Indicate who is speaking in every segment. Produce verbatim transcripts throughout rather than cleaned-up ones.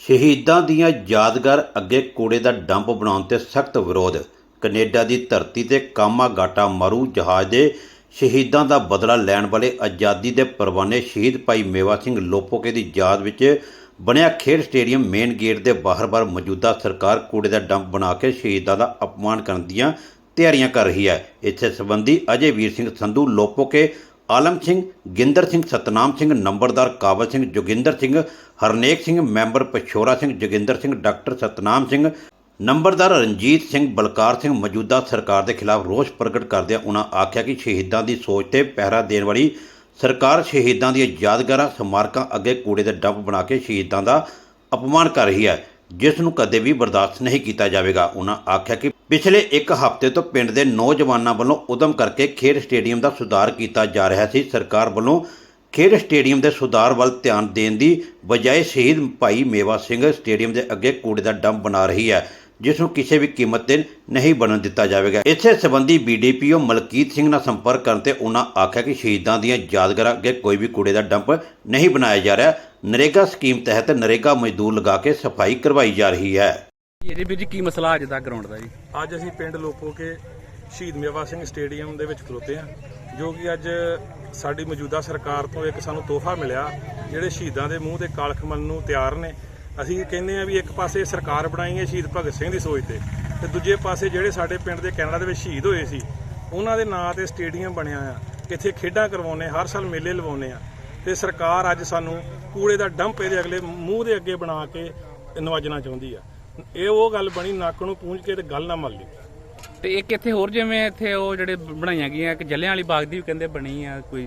Speaker 1: ਸ਼ਹੀਦਾਂ ਦੀਆਂ ਯਾਦਗਾਰ ਅੱਗੇ ਕੂੜੇ ਦਾ ਡੰਪ ਬਣਾਉਣ ਤੇ ਸਖਤ ਵਿਰੋਧ। ਕੈਨੇਡਾ ਦੀ ਧਰਤੀ ਤੇ ਕਾਮਾਗਾਟਾ ਮਾਰੂ ਜਹਾਜ਼ ਦੇ ਸ਼ਹੀਦਾਂ ਦਾ ਬਦਲਾ ਲੈਣ ਵਾਲੇ ਆਜ਼ਾਦੀ ਦੇ ਪਰਵਾਨੇ ਸ਼ਹੀਦ ਭਾਈ ਮੇਵਾ ਸਿੰਘ ਲੋਪੋਕੇ ਦੀ ਯਾਦ ਵਿੱਚ ਬਣਿਆ ਖੇਡ ਸਟੇਡੀਅਮ ਮੇਨ ਗੇਟ ਦੇ ਬਾਹਰ-ਬਾਹਰ ਮੌਜੂਦਾ ਸਰਕਾਰ ਕੂੜੇ ਦਾ ਡੰਪ ਬਣਾ ਕੇ ਸ਼ਹੀਦਾਂ ਦਾ ਅਪਮਾਨ ਕਰਨ ਦੀਆਂ ਤਿਆਰੀਆਂ ਕਰ ਰਹੀ ਹੈ। ਇਸੇ ਸੰਬੰਧੀ ਅਜੇ ਵੀਰ ਸਿੰਘ ਸੰਧੂ ਲੋਪੋਕੇ, ਆਲਮ ਸਿੰਘ, ਗਿੰਦਰ ਸਿੰਘ, ਸਤਨਾਮ ਸਿੰਘ, ਨੰਬਰਦਾਰ ਕਾਬਲ ਸਿੰਘ, ਜੋਗਿੰਦਰ ਸਿੰਘ, ਹਰਨੇਕ ਸਿੰਘ, ਮੈਂਬਰ ਪਛੋਰਾ ਸਿੰਘ, ਜੋਗਿੰਦਰ ਸਿੰਘ, ਡਾਕਟਰ ਸਤਨਾਮ ਸਿੰਘ, ਨੰਬਰਦਾਰ ਰਣਜੀਤ ਸਿੰਘ, ਬਲਕਾਰ ਸਿੰਘ ਮੌਜੂਦਾ ਸਰਕਾਰ ਦੇ ਖਿਲਾਫ ਰੋਸ ਪ੍ਰਗਟ ਕਰਦਿਆਂ ਉਨ੍ਹਾਂ ਆਖਿਆ ਕਿ ਸ਼ਹੀਦਾਂ ਦੀ ਸੋਚ ਤੇ ਪਹਿਰਾ ਦੇਣ ਵਾਲੀ ਸਰਕਾਰ ਸ਼ਹੀਦਾਂ ਦੀਆਂ ਯਾਦਗਾਰਾਂ ਸਮਾਰਕਾਂ ਅੱਗੇ ਕੂੜੇ ਦੇ ਡੰਪ ਬਣਾ ਕੇ ਸ਼ਹੀਦਾਂ ਦਾ ਅਪਮਾਨ ਕਰ ਰਹੀ ਹੈ, ਜਿਸ ਨੂੰ ਕਦੇ ਵੀ ਬਰਦਾਸ਼ਤ ਨਹੀਂ ਕੀਤਾ ਜਾਵੇਗਾ। ਉਨ੍ਹਾਂ ਆਖਿਆ ਕਿ ਪਿਛਲੇ ਇੱਕ ਹਫ਼ਤੇ ਤੋਂ ਪਿੰਡ ਦੇ ਨੌਜਵਾਨਾਂ ਵੱਲੋਂ ਉਦਮ ਕਰਕੇ ਖੇਡ ਸਟੇਡੀਅਮ ਦਾ ਸੁਧਾਰ ਕੀਤਾ ਜਾ ਰਿਹਾ ਸੀ। ਸਰਕਾਰ ਵੱਲੋਂ ਖੇਡ ਸਟੇਡੀਅਮ ਦੇ ਸੁਧਾਰ ਵੱਲ ਧਿਆਨ ਦੇਣ ਦੀ ਬਜਾਏ ਸ਼ਹੀਦ ਭਾਈ ਮੇਵਾ ਸਿੰਘ ਸਟੇਡੀਅਮ ਦੇ ਅੱਗੇ ਕੂੜੇ ਦਾ ਡੰਪ ਬਣਾ ਰਹੀ ਹੈ, ਜਿਸ ਨੂੰ ਕਿਸੇ ਵੀ ਕੀਮਤ ਤੇ ਨਹੀਂ ਬਣਨ ਦਿੱਤਾ ਜਾਵੇਗਾ। ਇਸੇ ਸੰਬੰਧੀ B D P O Malkit Singh ਨਾਲ ਸੰਪਰਕ ਕਰਨ ਤੇ ਉਹਨਾਂ ਆਖਿਆ ਕਿ ਸ਼ਹੀਦਾਂ ਦੀਆਂ ਯਾਦਗਾਰਾਂ ਅੱਗੇ ਕੋਈ ਵੀ ਕੂੜੇ ਦਾ ਡੰਪ ਨਹੀਂ ਬਣਾਇਆ ਜਾ ਰਿਹਾ। ਨਰੇਗਾ ਸਕੀਮ ਤਹਿਤ ਨਰੇਗਾ ਮਜ਼ਦੂਰ ਲਗਾ ਕੇ ਸਫਾਈ ਕਰਵਾਈ ਜਾ ਰਹੀ ਹੈ।
Speaker 2: ਇਹਦੇ ਵਿੱਚ ਕੀ ਮਸਲਾ ਅੱਜ ਦਾ ਗਰਾਊਂਡ ਦਾ ਜੀ?
Speaker 3: ਅੱਜ ਅਸੀਂ ਪਿੰਡ ਲੋਪੋਕੇ ਸ਼ਹੀਦ ਮੇਵਾ ਸਿੰਘ ਸਟੇਡੀਅਮ ਦੇ ਵਿੱਚ ਖਲੋਤੇ ਹਾਂ, ਜੋ ਕਿ ਅੱਜ ਸਾਡੀ ਮੌਜੂਦਾ ਸਰਕਾਰ ਤੋਂ ਇੱਕ ਸਾਨੂੰ ਤੋਹਫਾ ਮਿਲਿਆ। ਜਿਹੜੇ ਸ਼ਹੀਦਾਂ ਦੇ ਮੂੰਹ ਤੇ ਕਾਲਖ ਮਲਣ ਨੂੰ ਤਿਆਰ ਨੇ। ਅਸੀਂ ਕਹਿੰਦੇ ਆ ਵੀ ਇੱਕ ਪਾਸੇ ਸਰਕਾਰ ਬਣਾਈ ਹੈ ਸ਼ਹੀਦ ਭਗਤ ਸਿੰਘ ਦੀ ਸੋਚ ਤੇ, ਤੇ ਦੂਜੇ ਪਾਸੇ ਜਿਹੜੇ ਸਾਡੇ ਪਿੰਡ ਦੇ ਕੈਨੇਡਾ ਦੇ ਵਿੱਚ ਸ਼ਹੀਦ ਹੋਏ ਸੀ ਉਹਨਾਂ ਦੇ ਨਾਂ ਤੇ ਸਟੇਡੀਅਮ ਬਣਿਆ ਆ। ਇੱਥੇ ਖੇਡਾਂ ਕਰਵਾਉਂਦੇ, ਹਰ ਸਾਲ ਮੇਲੇ ਲਵਾਉਂਦੇ ਆ, ਤੇ ਸਰਕਾਰ ਅੱਜ ਸਾਨੂੰ ਕੂੜੇ ਦਾ ਡੰਪ ਇਹਦੇ ਅਗਲੇ ਮੂੰਹ ਦੇ ਅੱਗੇ ਬਣਾ ਕੇ ਨਵਾਜਣਾ ਚਾਹੁੰਦੀ ਆ। ਇਹ ਉਹ ਗੱਲ ਬਣੀ ਨੱਕ ਨੂੰ ਪੂੰਝ ਕੇ ਤੇ ਗੱਲ ਨਾ ਮੱਲ ਲਈ।
Speaker 2: ਤੇ ਇੱਕ ਇੱਥੇ ਹੋਰ ਜਿਵੇਂ ਇੱਥੇ ਉਹ ਜਿਹੜੇ ਬਣਾਈਆਂ ਗਈਆਂ ਇੱਕ ਜੱਲਿਆਂ ਵਾਲੀ ਬਾਗ ਦੀ ਵੀ ਕਹਿੰਦੇ ਬਣੀ ਆ ਕੋਈ।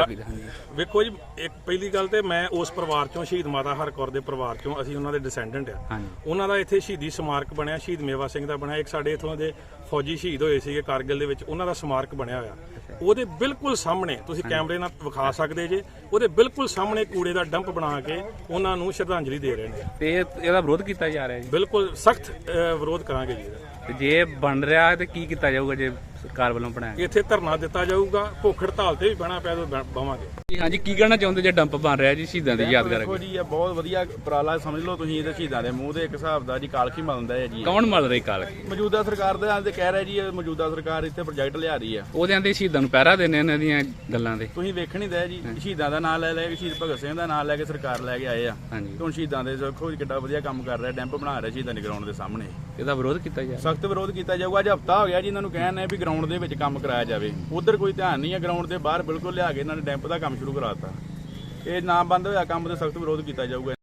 Speaker 3: ਵੇਖੋ ਜੀ, ਇੱਕ ਪਹਿਲੀ ਗੱਲ ਤੇ ਮੈਂ ਉਸ ਪਰਿਵਾਰ ਚੋਂ ਸ਼ਹੀਦ ਮਾਤਾ ਹਰਕੌਰ ਦੇ ਪਰਿਵਾਰ ਚੋਂ ਅਸੀਂ ਉਹਨਾਂ ਦੇ ਡਿਸੈਂਡੈਂਟ ਆ। ਉਹਨਾਂ ਦਾ ਇੱਥੇ ਸ਼ਹੀਦੀ ਸਮਾਰਕ ਬਣਿਆ, ਸ਼ਹੀਦ ਮੇਵਾ ਸਿੰਘ ਦਾ ਬਣਿਆ। ਇੱਕ ਸਾਡੇ ਇੱਥੋਂ ਦੇ ਫੌਜੀ ਸ਼ਹੀਦ ਹੋਏ ਸੀਗੇ ਕਾਰਗਿਲ ਦੇ ਵਿੱਚ, ਉਹਨਾਂ ਦਾ ਸਮਾਰਕ ਬਣਿਆ ਹੋਇਆ। ਉਹਦੇ ਬਿਲਕੁਲ ਸਾਹਮਣੇ ਤੁਸੀਂ ਕੈਮਰੇ ਨਾਲ ਵਿਖਾ ਸਕਦੇ ਜੇ, ਉਹਦੇ ਬਿਲਕੁਲ ਸਾਹਮਣੇ ਕੂੜੇ ਦਾ ਡੰਪ ਬਣਾ ਕੇ ਉਹਨਾਂ ਨੂੰ ਸ਼ਰਧਾਂਜਲੀ ਦੇ ਰਹੇ ਨੇ।
Speaker 2: ਤੇ ਇਹਦਾ ਵਿਰੋਧ ਕੀਤਾ ਜਾ ਰਿਹਾ ਜੀ?
Speaker 3: ਬਿਲਕੁਲ ਸਖਤ ਵਿਰੋਧ ਕਰਾਂਗੇ ਜੀ ਇਹਦਾ।
Speaker 2: ਤੇ ਜੇ ਬਣ ਰਿਹਾ ਤੇ ਕੀ ਕੀਤਾ ਜਾਊਗਾ ਜੇ ਸਰਕਾਰ ਵੱਲੋਂ ਬਣਾਇਆ?
Speaker 3: ਇੱਥੇ ਧਰਨਾ ਦਿੱਤਾ ਜਾਊਗਾ, ਭੁੱਖ ਹੜਤਾਲ ਤੇ ਵੀ ਬਹਿਣਾ ਪਿਆ ਤਾਂ ਬਵਾਂਗੇ।
Speaker 2: ਹਾਂਜੀ, ਕੀ ਕਹਿਣਾ ਚਾਹੁੰਦੇ ਜੇ ਡੰਪ ਬਣ ਰਿਹਾ ਜੀ ਸ਼ਹੀਦਾਂ ਦੀ ਯਾਦਗਾਰ?
Speaker 4: ਦੇਖੋ ਜੀ, ਇਹ ਬਹੁਤ ਵਧੀਆ ਉਪਰਾਲਾ ਸਮਝ ਲਓ ਤੁਸੀਂ। ਇਹਦੇ ਸ਼ਹੀਦਾਂ ਦੇ ਮੂੰਹ ਦੇ ਇੱਕ ਹਿਸਾਬ ਦਾ ਜੀ ਕਾਲਖੀ ਮਲਦਾ ਹੈ ਜੀ।
Speaker 2: ਕੌਣ ਮਲ ਰਹੀ ਕਾਲਖੀ?
Speaker 4: ਮੌਜੂਦਾ ਸਰਕਾਰ ਦੇ ਆਂਦੇ ਕਹਿ ਰਿਹਾ ਜੀ, ਇਹ ਮੌਜੂਦਾ ਸਰਕਾਰ ਇੱਥੇ ਪ੍ਰੋਜੈਕਟ ਲਿਆ ਰਹੀ ਆ।
Speaker 2: ਉਹਦੇ ਆਂਦੇ ਸ਼ਹੀਦਾਂ ਨੂੰ ਪਹਿਰਾ ਦੇਣੇ ਇਹਨਾਂ ਦੀਆਂ ਗੱਲਾਂ ਦੇ।
Speaker 4: ਤੁਸੀਂ ਵੇਖਣ ਹੀ ਦੇ ਜੀ, ਸ਼ਹੀਦਾਂ ਦਾ ਨਾਂ ਲੈ ਲੈ ਕੇ, ਸ਼ਹੀਦ ਭਗਤ ਸਿੰਘ ਦਾ ਨਾਂ ਲੈ ਕੇ ਸਰਕਾਰ ਲੈ ਕੇ ਆਏ ਆ।
Speaker 2: ਹਾਂਜੀ,
Speaker 4: ਹੁਣ ਸ਼ਹੀਦਾਂ ਦੇ ਦੇਖੋ ਕਿੱਡਾ ਵਧੀਆ ਕੰਮ ਕਰ ਰਿਹਾ, ਡੈਂਪ ਬਣਾ ਰਿਹਾ ਸ਼ਹੀਦਾਂ ਦੇ ਗਰਾਊਂਡ ਦੇ ਸਾਹਮਣੇ।
Speaker 2: ਇਹਦਾ ਵਿਰੋਧ ਕੀਤਾ ਜਾ
Speaker 4: ਸਖਤ ਵਿਰੋਧ ਕੀਤਾ ਜਾਊਗਾ। ਅੱਜ ਹਫ਼ਤਾ ਹੋ ਗਿਆ ਜੀ ਇਹਨਾਂ ਨੂੰ ਕਹਿਣ ਨੇ ਵੀ ਗਰਾਊਂਡ ਦੇ ਵਿੱਚ ਕੰਮ ਕਰਾਇਆ ਜਾਵੇ। ਉਧਰ ਕੋਈ ਧਿਆਨ ਨਹੀਂ ਹੈ, ਗਰਾਊਂਡ ਦੇ ਬਾਹਰ ਬਿਲਕੁਲ ਲਿਆ ਕੇ ਇਹਨਾਂ ਨੇ ਡੈਂਪ ਦਾ ਕੰਮ ਸ਼ੁਰੂ ਕਰਾਤਾ। ਇਹ ਨਾ ਬੰਦ ਹੋਇਆ ਕੰਮ ਤੇ ਸਖਤ ਵਿਰੋਧ ਕੀਤਾ ਜਾਊਗਾ।